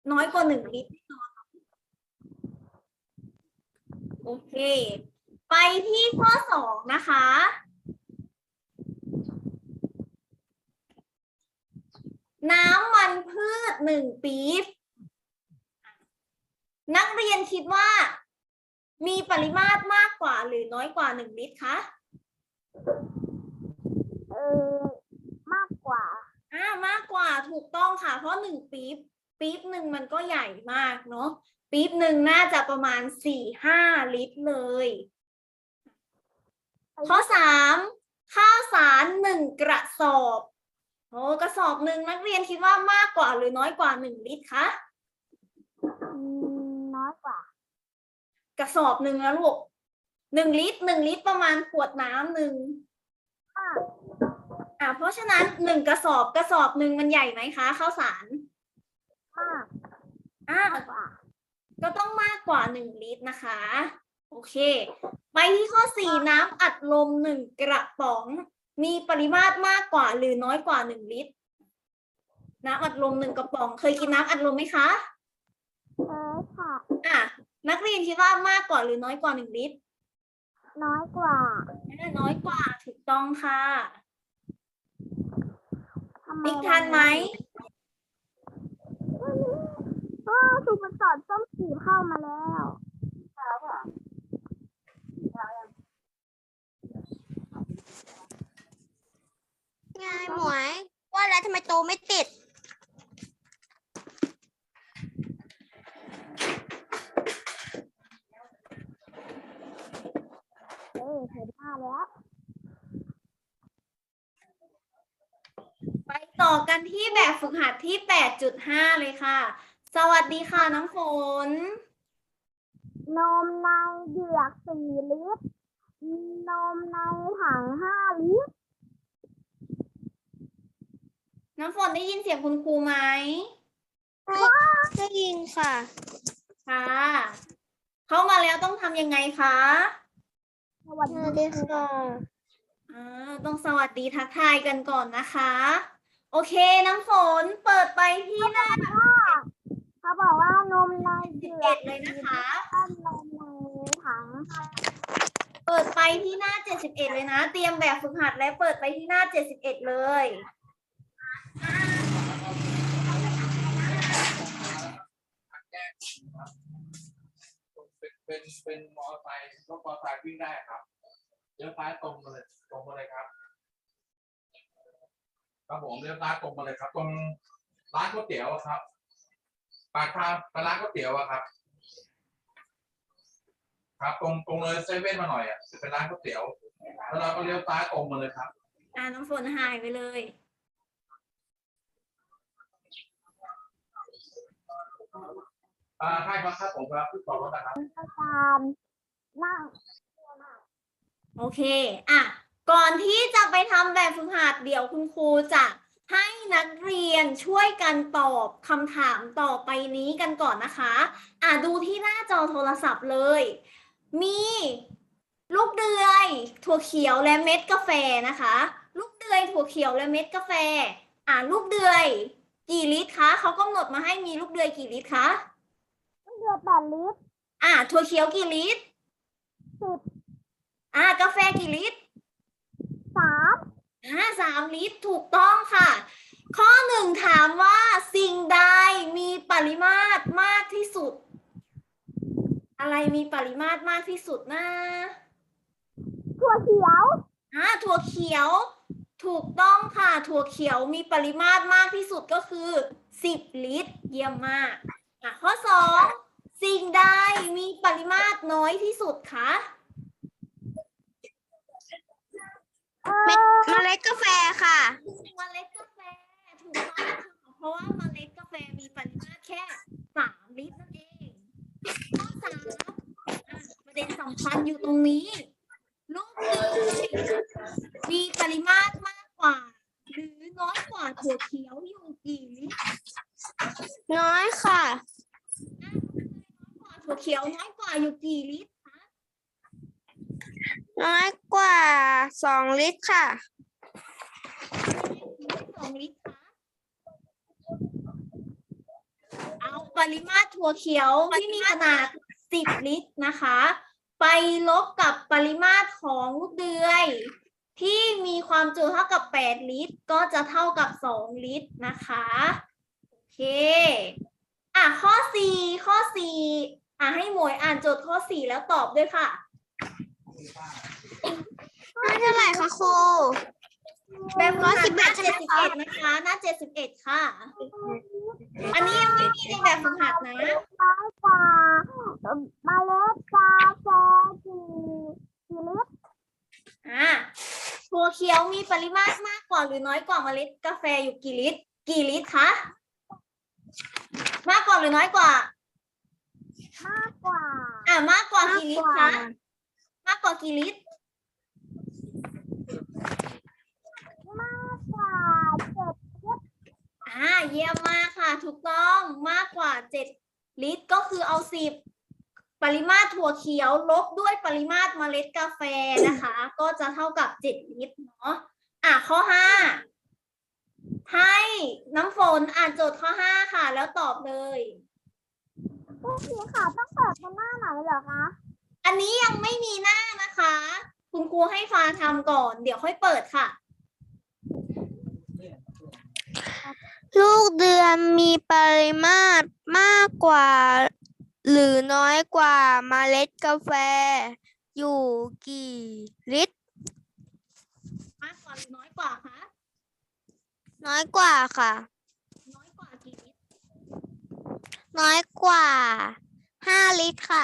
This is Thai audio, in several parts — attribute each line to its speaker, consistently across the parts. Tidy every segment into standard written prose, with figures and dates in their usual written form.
Speaker 1: น้อยกว่า1 ลิตรโอเคไปที่ข้อ2นะคะน้ำมันพืช1 ปี๊บนักเรียนคิดว่ามีปริมาตรมากกว่าหรือน้อยกว่า1 ลิตรคะ
Speaker 2: มากกว่าม
Speaker 1: ากกว่าถูกต้องค่ะเพราะ1 ปี๊บหนึ่งมันก็ใหญ่มากเนาะปี๊บหนึ่งน่าจะประมาณ4-5 ลิตรเลยข้อ3ข้าวสาร1 กระสอบโอ้กระสอบหนึ่งนักเรียนคิดว่ามากกว่าหรือน้อยกว่า1 ลิตรคะ
Speaker 2: น้อยกว่าก
Speaker 1: ระสอบหนึ่งแล้วลูก1 ลิตรประมาณขวดน้ำหนึ่งเพราะฉะนั้น1 กระสอบหนึ่งมันใหญ่ไหมคะข้าวสาร
Speaker 2: มากกว่า
Speaker 1: ก็ต้องมากกว่า1 ลิตรนะคะโอเคไปที่ข้อ4น้ำอัดลม1 กระป๋องมีปริมาตรมากกว่าหรือน้อยกว่า1 ลิตรน้ำอัดลม1 กระป๋องเคยกินน้ำอัดลมไหมคะ
Speaker 2: ค่ะ
Speaker 1: นักเรียนคิดว่ามากกว่าหรือน้อยกว่า1 ลิตร
Speaker 2: น้อยกว่า
Speaker 1: น้อยกว่าถูกต้องค่ะบิ๊กทันไหม
Speaker 2: สุพรรณสอนส้มสีเข้ามาแล้วไงหมวยว่าแล้วทำไมโตไม่ติดเห็นหน้าแล้ว
Speaker 1: ไปต่อกันที่แบบฝึกหัดที่ 8.5 เลยค่ะสวัสดีค่ะน้ำฝน
Speaker 2: นมในเหยือก4 ลิตรนมในถัง5 ลิตร
Speaker 1: น้ำฝนได้ยินเสียงคุณครูไหม
Speaker 2: ได้ยินค่ะ
Speaker 1: ค่ะเข้ามาแล้วต้องทำยังไงคะ
Speaker 2: สวัสดีค่ะ
Speaker 1: ต้องสวัสดีทักทายกันก่อนนะคะโอเคน้ำฝนเปิดไปที่หน้า
Speaker 2: เขาบอกว่านมในเหยือก
Speaker 1: 71เลยนะคะ
Speaker 2: นมในถัง
Speaker 1: เปิดไปที่หน้า71เลยนะเตรียมแบบฝึกหัดและเปิดไปที่หน้า71เลย
Speaker 3: เป็นมอเตอร์ไซค์รถมอเตอร์ไซค์วิ่งได้ครับเลี้ยวซ้ายตรงมาเลยครับครับผมเลี้ยวซ้ายตรงมาเลยครับตรงร้านก๋วยเตี๋ยวครับปากทางไปร้านก๋วยเตี๋ยวครับครับตรงเลยเซเว่นมาหน่อยจะเป็นร้านก๋วยเตี๋ยวแล้วเราก็เลี้ยวซ้ายตรงมาเลยครับ
Speaker 1: น้ำฝนหายไปเลย
Speaker 3: ใช่ครับผมครับที่ต่อรถนะครับ
Speaker 2: นั่ง
Speaker 1: โอเคก่อนที่จะไปทำแบบฝึกหัดเดี๋ยวคุณครูจะให้นักเรียนช่วยกันตอบคำถามต่อไปนี้กันก่อนนะคะดูที่หน้าจอโทรศัพท์เลยมีลูกเดือยถั่วเขียวและเม็ดกาแฟนะคะลูกเดือยถั่วเขียวและเม็ดกาแฟลูกเดือยกี่ลิตรคะเขากำหนดมาให้มีลูกเดือยกี่ลิตรคะ
Speaker 2: เดือ8 ลิตร
Speaker 1: ถั่วเขียวกี่ลิตร
Speaker 2: 10
Speaker 1: กาแฟกี่ลิตร
Speaker 2: 3
Speaker 1: 3 ลิตรถูกต้องค่ะข้อ1ถามว่าสิ่งใดมีปริมาตรมากที่สุดอะไรมีปริมาตรมากที่สุดนะ
Speaker 2: ถั่วเขียว
Speaker 1: ถั่วเขียวถูกต้องค่ะถั่วเขียวมีปริมาตรมากที่สุดก็คือ10 ลิตรเยี่ยมมากข้อ2สิ่งใดมีปริมาตรน้อยที่สุดคะ
Speaker 2: เมล็ดกาแฟค่ะ
Speaker 1: เมล็ดกาแฟถูกต้องค่ะเพราะว่าเมล็ดกาแฟมีปริมาตรแค่3 ลิตรนั่นเองข้อ3ประเด็นสำคัญอยู่ตรงนี้ลูกเดือยมีปริมาตรมากกว่าหรือน้อยกว่าถั่วเขียวอยู่กี่ลิตร
Speaker 2: น้อยค่ะ
Speaker 1: ถั่วเขียวน้อยกว่าอยู่กี่ลิตรคะ
Speaker 2: น้อยกว่า2 ลิตรค่ะ
Speaker 1: 2 ลิตรคะเอาปริมาตรถั่วเขียวที่มีขนาด 10 ลิตรนะคะ ไปลบกับปริมาตรของลูกเดือยที่มีความจุเท่ากับ 8 ลิตร ก็จะเท่ากับ 2 ลิตรนะคะ โอเค ข้อ 4 ข้อ 4 ให้หมวยอ่านโจทย์ข้อ 4 แล้วตอบด้วยค่ะ
Speaker 2: เท่าไหร่คะครู
Speaker 1: แบบฝึกหัดหน้า 71 นะคะ หน้า 71 ค่ะ อันนี้ยังไม่มีในแบบฝึกหัดนะ
Speaker 2: น้อยกว่าเมล็ดกาแฟกี่ลิตร
Speaker 1: ถั่วเขียวมีปริมาตรมากกว่าหรือน้อยกว่าเมล็ดกาแฟอยู่กี่ลิตร กี่ลิตรคะ มากกว่าหรือน้อยกว่า
Speaker 2: มากกว่า
Speaker 1: มากกว่ากี่ลิตรคะ มากกว่ากี่ลิตร
Speaker 2: มากกว่า7 ลิตร
Speaker 1: เยี่ยมมากค่ะ ถูกต้องมากกว่า 7 ลิตรก็คือเอา 10 ปริมาตรถั่วเขียวลบด้วยปริมาตรเมล็ดกาแฟนะคะ ก็จะเท่ากับ 7 ลิตรเนาะข้อ 5 ให้น้ำฝนอ่านโจทย์ข้อ 5 ค่ะ แล้วตอบเลย
Speaker 2: พวกนี้ค่ะต้องเปิดเป็นหน้าไหนเหรอคะ
Speaker 1: อันนี้ยังไม่มีหน้านะคะ คุณครูให้ฟ้าทำก่อน เดี๋ยวค่อยเปิดค่ะ
Speaker 4: ลูกเดือนมีปริมาตรมากกว่า หรือน้อยกว่าเมล็ดกาแฟอยู่กี่ลิตร
Speaker 1: มากกว่าหรือน้อยกว่าคะ
Speaker 4: น้อยกว่าค่ะ
Speaker 1: น้อยกว่ากี่ลิตร
Speaker 4: น้อยกว่า5 ลิตรค่ะ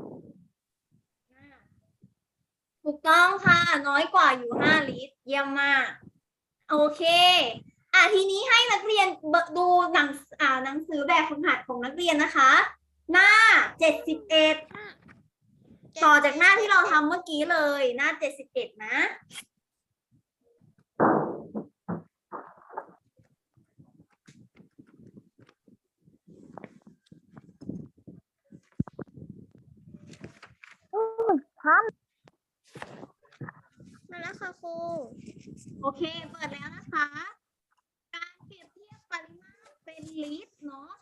Speaker 1: ถูกต้องค่ะ น้อยกว่าอยู่ 5 ลิตร เยี่ยมมาก โอเค ทีนี้ให้นักเรียนดูหนังสือแบบฝึกหัดของนักเรียนนะคะ หน้า 71 ต่อจากหน้าที่เราทำเมื่อกี้เลย หน้า 71 นะ
Speaker 2: ทัน
Speaker 4: มาแล้วค่ะครู
Speaker 1: โอเค เปิดแล้วนะคะ การเปรียบเทียบปริมาตรเป็นลิตรเนาะ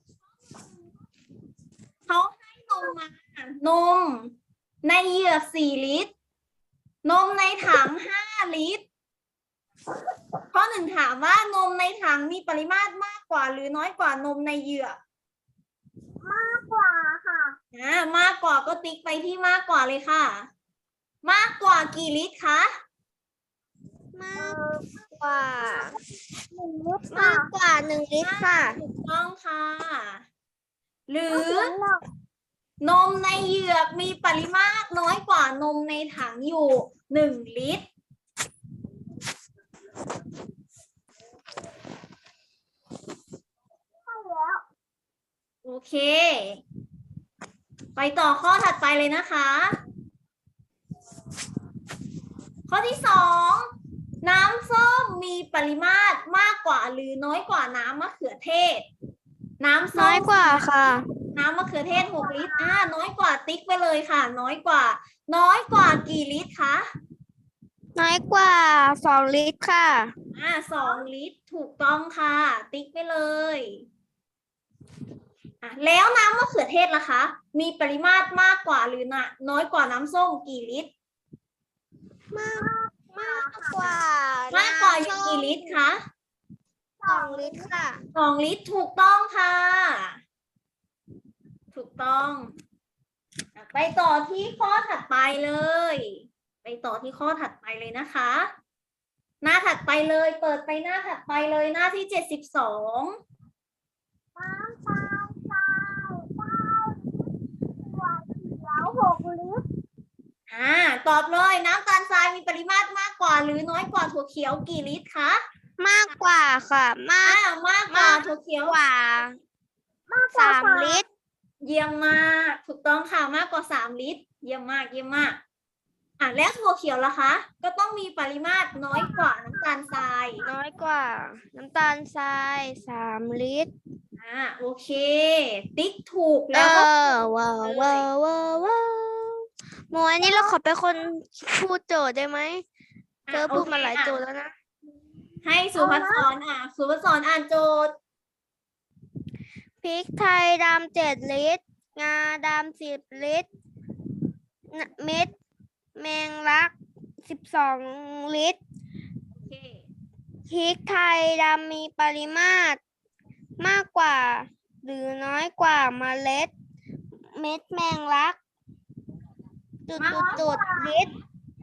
Speaker 1: เขาให้นมมา นมในเหยือก 4 ลิตร นมในถัง 5 ลิตร ข้อ 1 ถามว่านมในถังมีปริมาตรมากกว่าหรือน้อยกว่านมในเหยือก
Speaker 2: มากกว่าค่ะ
Speaker 1: มากกว่าก็ติ๊กไปที่มากกว่าเลยค่ะ มากกว่ากี่ลิตรคะ
Speaker 4: มากกว่า
Speaker 2: 1 ลิตร
Speaker 4: มากกว่า1 ลิตรค่ะ
Speaker 1: ถูกต้องค่ะ หรือ
Speaker 2: หนึ่ง
Speaker 1: นมในเหยือกมีปริมาตรน้อยกว่านมในถังอยู่ 1 ลิตร
Speaker 2: ใช่แล้ว
Speaker 1: โอเค ไปต่อข้อถัดไปเลยนะคะ ข้อที่ 2 น้ำส้มมีปริมาตรมากกว่าหรือน้อยกว่าน้ำมะเขือเทศ น้ำส้ม
Speaker 4: น้อยกว่าค่ะ
Speaker 1: น้ำมะเขือเทศ 6 ลิตร น้อยกว่าติ๊กไปเลยค่ะ น้อยกว่า น้อยกว่ากี่ลิตรคะ
Speaker 4: น้อยกว่า2 ลิตรค่ะ
Speaker 1: 2 ลิตร ถูกต้องค่ะ ติ๊กไปเลย แล้วน้ำมะเขือเทศล่ะคะ มีปริมาตรมากกว่าหรือน้อยกว่าน้ำส้มกี่ลิตร
Speaker 4: มากกว่า
Speaker 1: มากกว่าอยู่กี่ลิตรคะ
Speaker 4: 2 ลิตรค่ะ
Speaker 1: 2 ลิตร ถูกต้องค่ะ ถูกต้อง ไปต่อที่ข้อถัดไปเลย ไปต่อที่ข้อถัดไปเลยนะคะ หน้าถัดไปเลย เปิดไปหน้าถัดไปเลย หน้าที่ 72
Speaker 2: น้ำตาลทราย9 ลิตรถั่วเขียว6 ลิตร
Speaker 1: ตอบเลย น้ำตาลทรายมีปริมาตรมากกว่าหรือน้อยกว่าถั่วเขียวกี่ลิตรคะ
Speaker 4: มากกว่าค่ะ มาก
Speaker 1: มากกว่าถั่วเขียว
Speaker 4: กว่า3 ลิตร
Speaker 1: เยี่ยมมาก ถูกต้องค่ะ มากกว่า 3 ลิตร เยี่ยมมาก เยี่ยมมาก แล้วถั่วเขียวล่ะคะ ก็ต้องมีปริมาตรน้อยกว่าน้ำตาลทราย
Speaker 4: น้อยกว่า น้ำตาลทราย3 ลิตร
Speaker 1: โอเค ติ๊กถูกแล้วก็
Speaker 4: ว้าวว้าวว้าวว้าวหมวยนี่เราขอเป็นคนพูดโจทย์ได้ไหมเธอพูดมาหลายโจทย์แล้วนะ
Speaker 1: ให้สุภัสสรสุภัสสรอ่านโจทย์
Speaker 4: พริกไทยดำ7 ลิตร งาดำ10 ลิตร เม็ดแมงลัก12 ลิตร
Speaker 1: โอเค
Speaker 4: พริกไทยดำมีปริมาตรมากกว่าหรือน้อยกว่าเมล็ด เม็ดแมงลักลิตร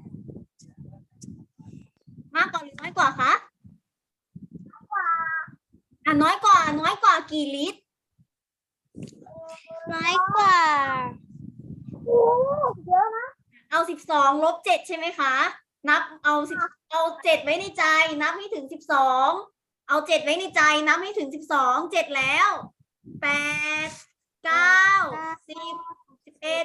Speaker 1: มากกว่าหรือน้อยกว่าคะน้อยกว่ากี่ลิตร
Speaker 4: น้อยกว่า
Speaker 2: โอ้เยอะนะ
Speaker 1: เอา12 ลบ 7ใช่ไหมคะ นับเอา7ไว้ในใจ นับให้ถึง12เอา7ไว้ในใจ นับให้ถึง12 7แล้ว8 9 10 11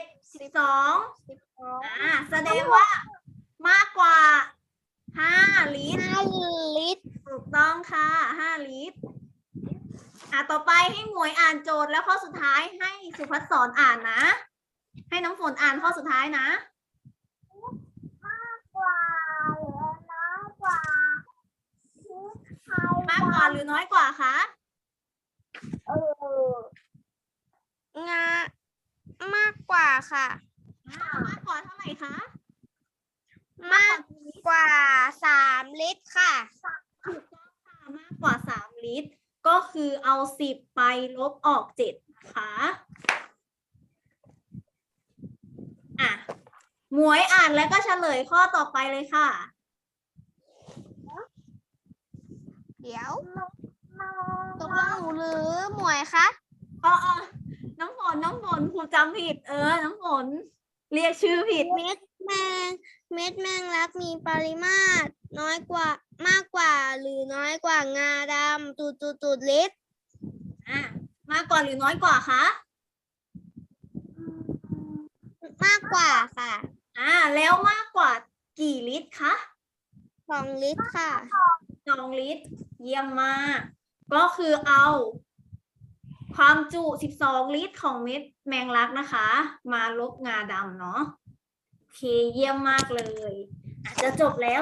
Speaker 1: 12แสดงว่ามากกว่า5 ลิตร
Speaker 4: 5 ลิตร
Speaker 1: ถูกต้องค่ะ5 ลิตร ต่อไปให้หมวยอ่านโจทย์แล้วข้อสุดท้ายให้สุภัสสรอ่านนะ ให้น้ำฝนอ่านข้อสุดท้ายนะ
Speaker 2: กว่าหรือน้อยกว่าพริกไทย
Speaker 1: มากกว่าหรือน้อยกว่าคะ
Speaker 4: งามากกว่าค่ะ
Speaker 1: มากกว่าเท่าไหร่คะ
Speaker 4: มากกว่า3 ลิตรค่ะ
Speaker 1: ถูกต้องค่ะมากกว่า3 ลิตร ก็คือเอา10ไปลบออก7นะคะหมวยอ่านแล้วก็เฉลยข้อต่อไปเลยค่ะ
Speaker 4: เดี๋ยวตกลงหนูหรือหมวยคะ
Speaker 1: อ๋อน้ำฝนครูจำผิด น้ำฝนเรียกชื่อผิด
Speaker 4: เม็ดแมงลักมีปริมาตรน้อยกว่ามากกว่าหรือน้อยกว่างาดำลิตร
Speaker 1: มากกว่าหรือน้อยกว่าคะ
Speaker 4: มากกว่าค่ะ
Speaker 1: แล้วมากกว่ากี่ลิตรคะ
Speaker 4: 2 ลิตรค่ะ
Speaker 1: 2 ลิตร เยี่ยมมาก ก็คือเอาความจุ12 ลิตรของเม็ดแมงลักนะคะ มาลบงาดำเนาะ โอเค เยี่ยมมากเลยจะจบแล้ว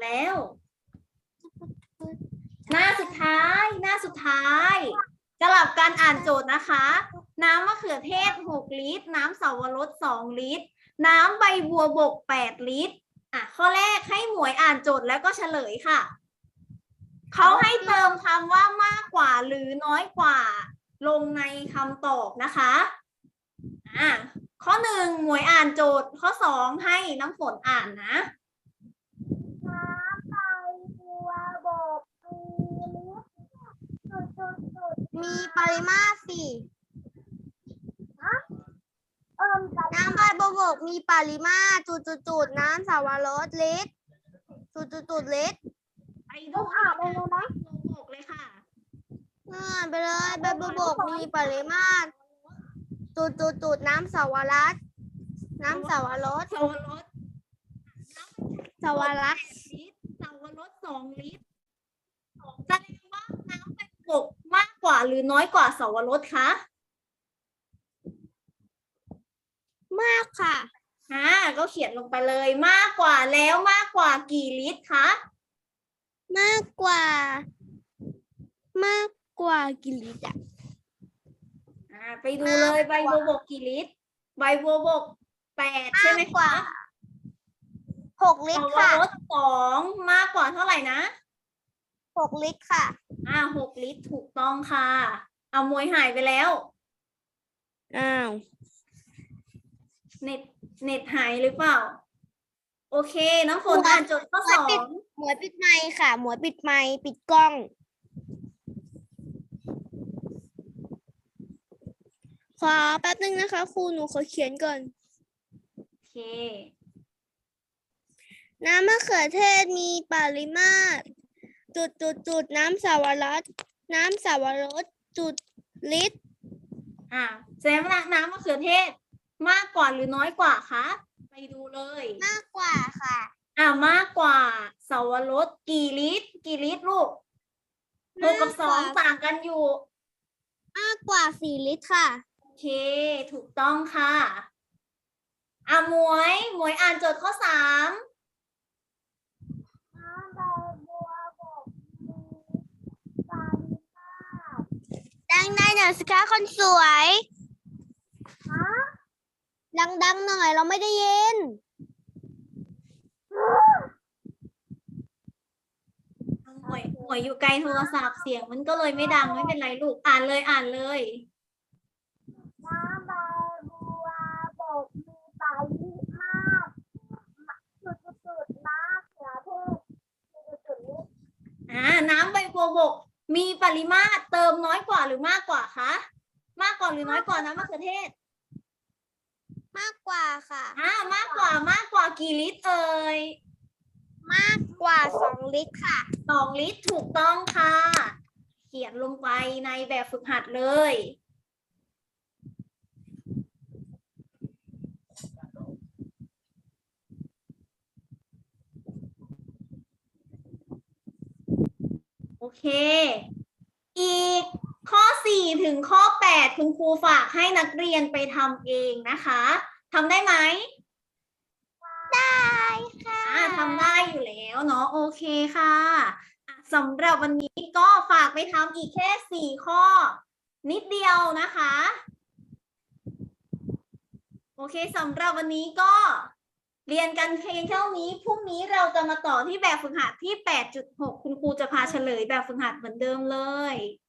Speaker 1: หน้าสุดท้ายสลับการอ่านโจทย์นะคะ น้ำมะเขือเทศ6 ลิตร น้ำเสาวรส2 ลิตร น้ำใบบัวบก8 ลิตร ข้อแรกให้หมวยอ่านโจทย์แล้วก็เฉลยค่ะ เขาให้เติมคำว่ามากกว่าหรือน้อยกว่าลงในคำตอบนะคะ ข้อ 1 หมวยอ่านโจทย์ ข้อ 2 ให้น้ำฝนอ่านนะ
Speaker 2: น้ำใบบัวบก
Speaker 4: มีปริมาตร4 น้ำใบบัวบกมีปริมาตรน้ำเสาวรสลิตรลิตร
Speaker 1: ไปดูอ่านเลยนะบกเลยค่ะ
Speaker 4: ไปเลยใบบัวบกมีปริมาตรน้ำเสาวรส
Speaker 1: สาวรส
Speaker 4: เสาวรส
Speaker 1: ลิตรเสาวรส2 ลิตรแสดงว่าน้ำใบบกมากกว่าหรือน้อยกว่าเสาวรสคะ
Speaker 4: มากค่ะ
Speaker 1: ก็เขียนลงไปเลยมากกว่าแล้วมากกว่ากี่ลิตรคะ
Speaker 4: มากกว่ากี่ลิตร
Speaker 1: ไปดูเลยใบบัวบกกี่ลิตร ใบบัวบก8ใช่ไหมคะ
Speaker 4: 6 ลิตรค่ะ
Speaker 1: เสาวรส2มากกว่าเท่าไหร่นะ
Speaker 4: 6 ลิตรค่ะ
Speaker 1: 6 ลิตรถูกต้องค่ะ เอามวยหายไปแล้ว
Speaker 4: อ้าว
Speaker 1: เน็ตหายหรือเปล่า โอเค น้ำฝนอ่านโจทย์ข้อ 2
Speaker 4: หมวยปิดไมค์ค่ะ หมวยปิดไมค์ปิดกล้อง ขอแป๊บนึงนะคะครูหนูขอเขียนก่อน
Speaker 1: โอเค
Speaker 4: น้ำมะเขือเทศมีปริมาตรน้ำเสาวรสลิตร
Speaker 1: แสดงว่าน้ำมะเขือเทศมากกว่าหรือน้อยกว่าคะไปดูเลย
Speaker 4: มากกว่าค่ะ
Speaker 1: มากกว่าเสาวรสกี่ลิตรลูก6 กับ 2ต่างกันอยู่
Speaker 4: มากกว่า4 ลิตรค่ะ
Speaker 1: โอเค ถูกต้องค่ะหมวยอ่านโจทย์ข้อ 3
Speaker 2: น้ำใบบัวบกมีปริมาตร
Speaker 4: ได้ดังๆหน่อยสิคะคนสวย ดังๆหน่อยเราไม่ได้ยิน
Speaker 1: หวยอยู่ไกลโทรศัพท์เสียงมันก็เลยไม่ดังไม่เป็นไรลูกอ่านเลยอ่านเลย
Speaker 2: น้ำใบบัวบกมีปาลิมาศจุดๆๆน้ำเขือเทศจุดๆๆนี้
Speaker 1: น้ำใบบัวบกมีปริมาตรเติมน้อยกว่าหรือมากกว่าคะมากกว่าหรือน้อยกว่าน้ำมะเขือเทศ
Speaker 4: มากกว่าค่ะ
Speaker 1: มากกว่ากี่ลิตรเอ่ย
Speaker 4: มากกว่า2 ลิตรค่ะ
Speaker 1: 2 ลิตรถูกต้องค่ะ เขียนลงไปในแบบฝึกหัดเลย โอเค อีกข้อ 4 ถึงข้อ 8 คุณครูฝากให้นักเรียนไปทำเองนะคะทำได้ไหม
Speaker 4: ได้ค่ะ
Speaker 1: ทำได้อยู่แล้วเนาะโอเคค่ะสำหรับวันนี้ก็ฝากไปทำอีกแค่ 4 ข้อ นิดเดียวนะคะ โอเคสำหรับวันนี้ก็เรียนกันเพียงเท่านี้พรุ่งนี้เราจะมาต่อที่แบบฝึกหัดที่ 8.6 คุณครูจะพาเฉลยแบบฝึกหัดเหมือนเดิมเลย